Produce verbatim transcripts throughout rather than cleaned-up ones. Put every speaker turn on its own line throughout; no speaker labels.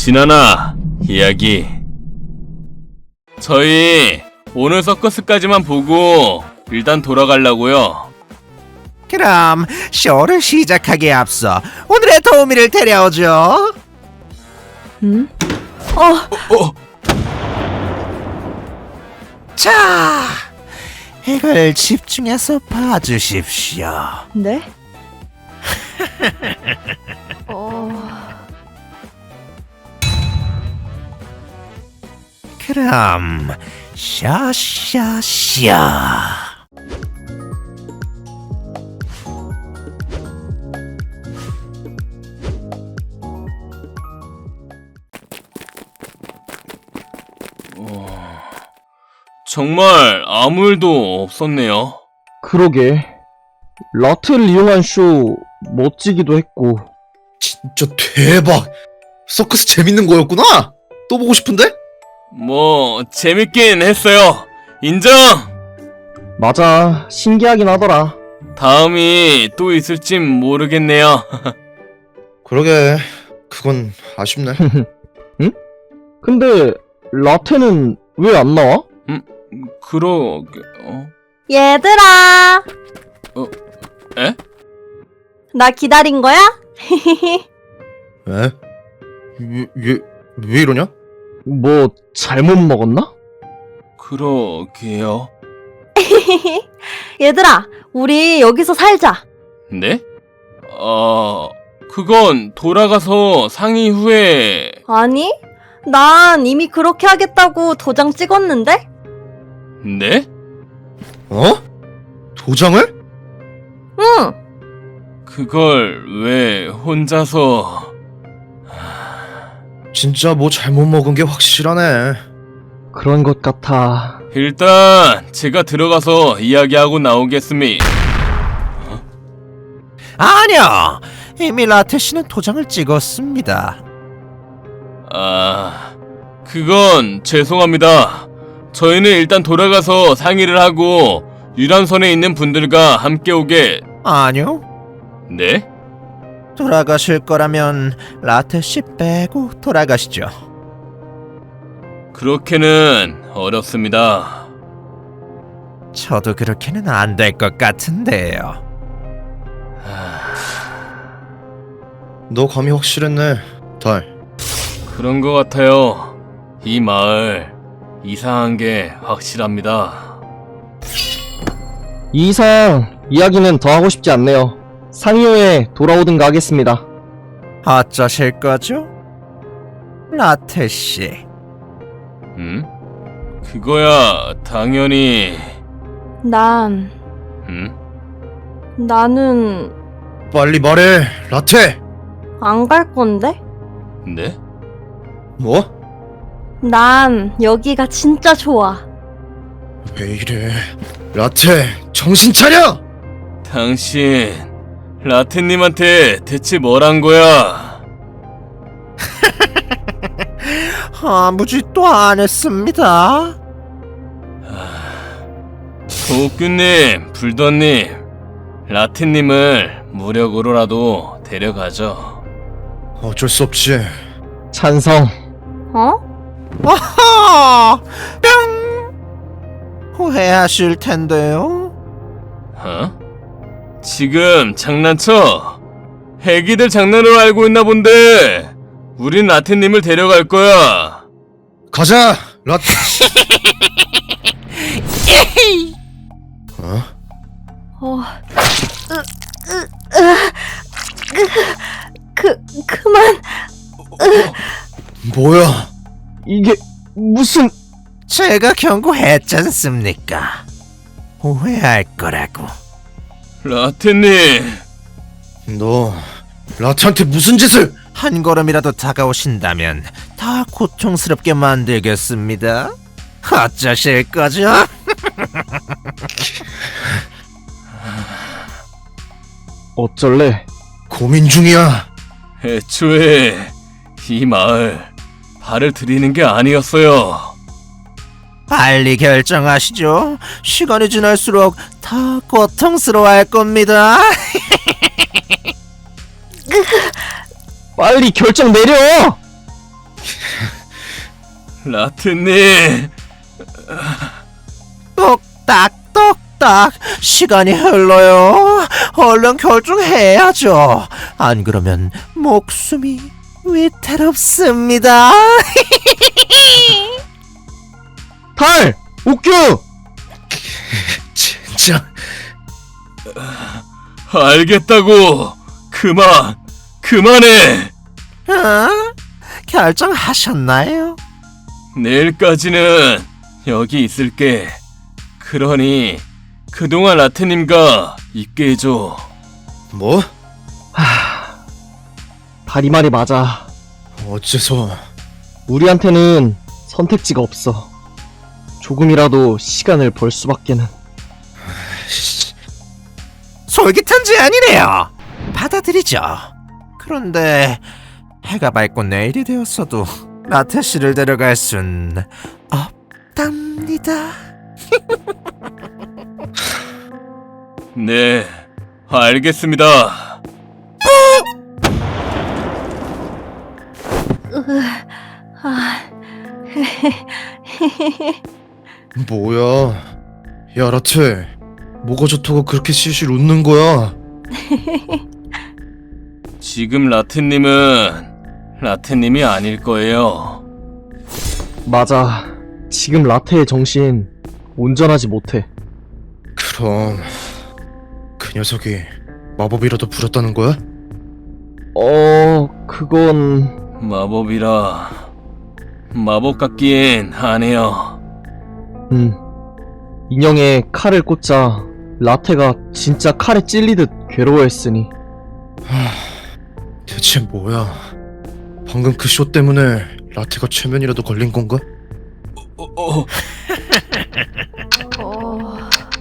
진아나, 이야기. 저희 오늘 서커스까지만 보고 일단 돌아가려고요.
그럼 쇼를 시작하기에 앞서 오늘의 도우미를 데려오죠.
응? 어,
어,
자, 이걸 집중해서 봐주십시오.
네? 어...
그럼 샤샤샤.
정말 아무 일도 없었네요.
그러게. 라트를 이용한 쇼 멋지기도 했고.
진짜 대박! 서커스 재밌는 거였구나? 또 보고 싶은데?
뭐 재밌긴 했어요. 인정!
맞아, 신기하긴 하더라.
다음이 또 있을진 모르겠네요.
그러게, 그건 아쉽네.
근데 라테는 왜 안 나와?
그러게... 어?
얘들아!
에?
나 기다린 거야?
왜? 왜, 왜, 왜 이러냐?
뭐 잘못 먹었나?
그러게요.
얘들아, 우리 여기서 살자.
네? 어... 그건 돌아가서 상의 후에...
아니, 난 이미 그렇게 하겠다고 도장 찍었는데?
네?
어? 도장을?
응!
그걸 왜 혼자서...
진짜 뭐 잘못 먹은 게 확실하네.
그런 것 같아.
일단 제가 들어가서 이야기하고 나오겠습니다.
아니요, 이미 라테 씨는 도장을 찍었습니다.
아... 그건 죄송합니다. 저희는 일단 돌아가서 상의를 하고 유람선에 있는 분들과 함께 오게...
아니요,
네?
돌아가실 거라면 라테 씨 빼고 돌아가시죠.
그렇게는 어렵습니다.
저도 그렇게는 안 될 것 같은데요.
너 감이 확실했네, 달.
그런 것 같아요. 이 마을 이상한 게 확실합니다.
이 이상 이야기는 더 하고 싶지 않네요. 상의 후에 돌아오든가 하겠습니다.
어쩌실 거죠? 라테 씨.
음? 그거야 당연히...
난,
음?
나는
빨리 말해, 라테!
안 갈 건데?
네?
뭐?
난 여기가 진짜 좋아.
왜 이래? 라테, 정신 차려!
당신... 라테님한테 대체 뭘 한 거야?
아무 짓도 안 했습니다.
도끼님, 불더님, 라테님을 무력으로라도 데려가죠.
어쩔 수 없지.
찬성.
어?
아하! 뿅! 후회하실 텐데요.
어? 지금 장난쳐? 애기들 장난으로 알고 있나 본데 우린 라테님을 데려갈 거야.
가자, 라테! 어?
어... 으, 으, 으, 그, 그만...
뭐야?
이게 무슨...
제가 경고했지 않습니까? 후회할 거라고.
라테님,
너 라테한테 무슨 짓을?
한 걸음이라도 다가오신다면 더 고통스럽게 만들겠습니다. 어쩌실 거죠?
어쩔래?
고민 중이야.
애초에 이 마을 발을 들이는 게 아니었어요.
빨리 결정하시죠. 시간이 지날수록 더 고통스러워할 겁니다.
빨리 결정 내려!
라트님,
똑딱 똑딱 시간이 흘러요. 얼른 결정해야죠. 안 그러면 목숨이 위태롭습니다.
달! 옥규!
진짜
알겠다고. 그만, 그만해.
어? 결정하셨나요?
내일까지는 여기 있을게. 그러니 그동안 라트님과 있게 해줘.
뭐?
달이 말이 맞아.
어째서?
우리한테는 선택지가 없어. 조금이라도 시간을 벌 수밖에는.
솔깃한 제안이네요. 받아들이죠. 그런데 해가 밝고 내일이 되었어도 라테 씨를 데려갈 순 없답니다.
네, 알겠습니다.
아,
뭐야? 야 라테, 뭐가 좋다고 그렇게 실실 웃는 거야?
지금 라트님은 라트님이 아닐 거예요.
맞아. 지금 라테의 정신 온전하지 못해.
그럼 그 녀석이 마법이라도 부렸다는 거야?
어... 그건...
마법이라 마법 같긴 하네요.
음... 인형에 칼을 꽂자 라테가 진짜 칼에 찔리듯 괴로워했으니.
대체 뭐야? 방금 그 쇼 때문에 라테가 최면이라도 걸린 건가?
어, 어,
어...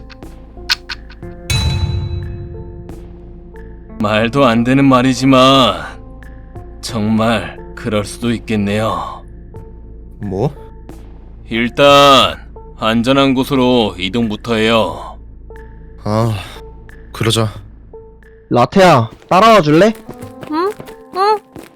말도 안 되는 말이지만 정말 그럴 수도 있겠네요.
뭐?
일단 안전한 곳으로 이동부터 해요.
아, 그러자.
라테야, 따라와 줄래?
응? 응?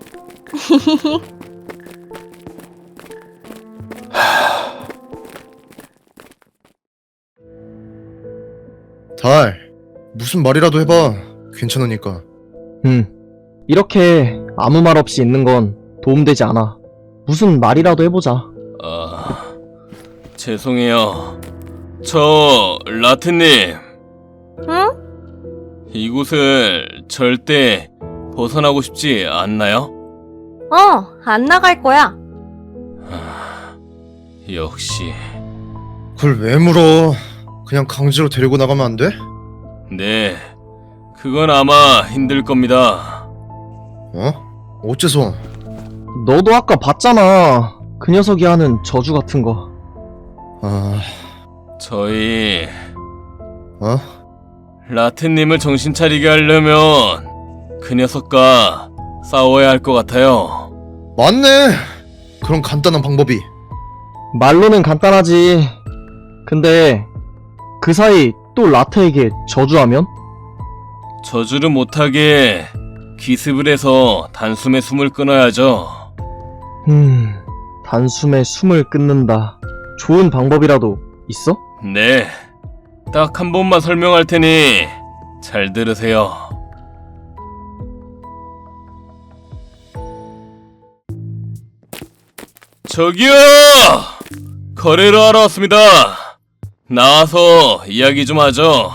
달, 무슨 말이라도 해봐. 괜찮으니까.
음. 이렇게 아무 말 없이 있는 건 도움되지 않아. 무슨 말이라도 해보자.
아, 죄송해요. 저 라트님,
응?
이곳을 절대 벗어나고 싶지 않나요?
어, 안 나갈 거야.
역시.
그걸 왜 물어? 그냥 강제로 데리고 나가면 안 돼?
네, 그건 아마 힘들 겁니다.
어? 어째서?
너도 아까 봤잖아. 그 녀석이 하는 저주 같은 거.
아,
저희
어?
라트님을 정신 차리게 하려면 그 녀석과 싸워야 할 것 같아요.
맞네. 그런 간단한 방법이.
말로는 간단하지. 근데 그 사이 또 라테에게 저주하면?
저주를 못하게 기습을 해서 단숨에 숨을 끊어야죠.
음... 단숨에 숨을 끊는다. 좋은 방법이라도 있어?
네, 딱 한 번만 설명할 테니 잘 들으세요. 저기요! 거래를 하러 왔습니다. 나와서 이야기 좀 하죠.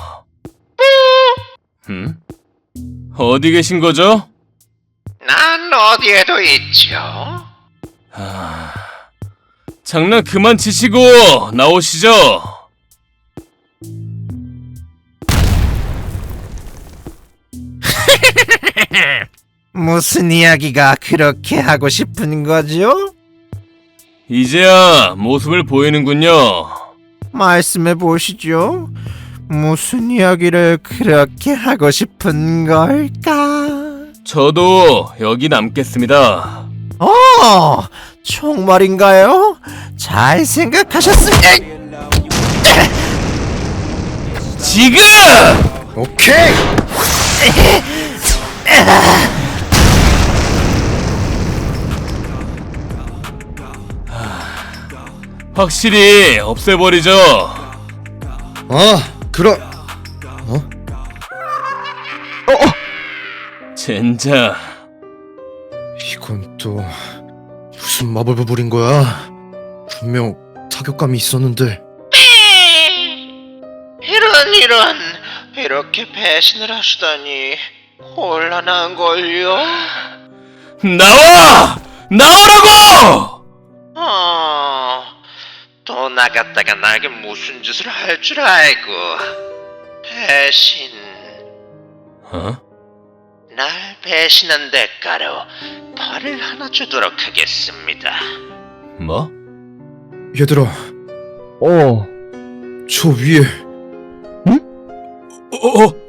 음? 어디 계신 거죠?
난 어디에도 있죠.
아... 장난 그만 치시고 나오시죠.
무슨 이야기가 그렇게 하고 싶은 거죠?
이제야 모습을 보이는군요.
말씀해 보시죠. 무슨 이야기를 그렇게 하고 싶은 걸까?
저도 여기 남겠습니다.
어, 정말인가요? 잘 생각하셨습니다.
지금!
오케이.
확실히 없애버리죠.
아, 그럼
젠장.
이건 또 무슨 마법을 부린 거야? 분명 타격감이 있었는데.
이런 이런 이렇게 배신을 하시다니 곤란한걸요?
나와! 나오라고!
어... 또 나갔다가 나에게 무슨 짓을 할 줄 알고 배신...
어?
날 배신한 대가로 벌을 하나 주도록 하겠습니다.
뭐?
얘들아,
어,
저 위에
어, 어,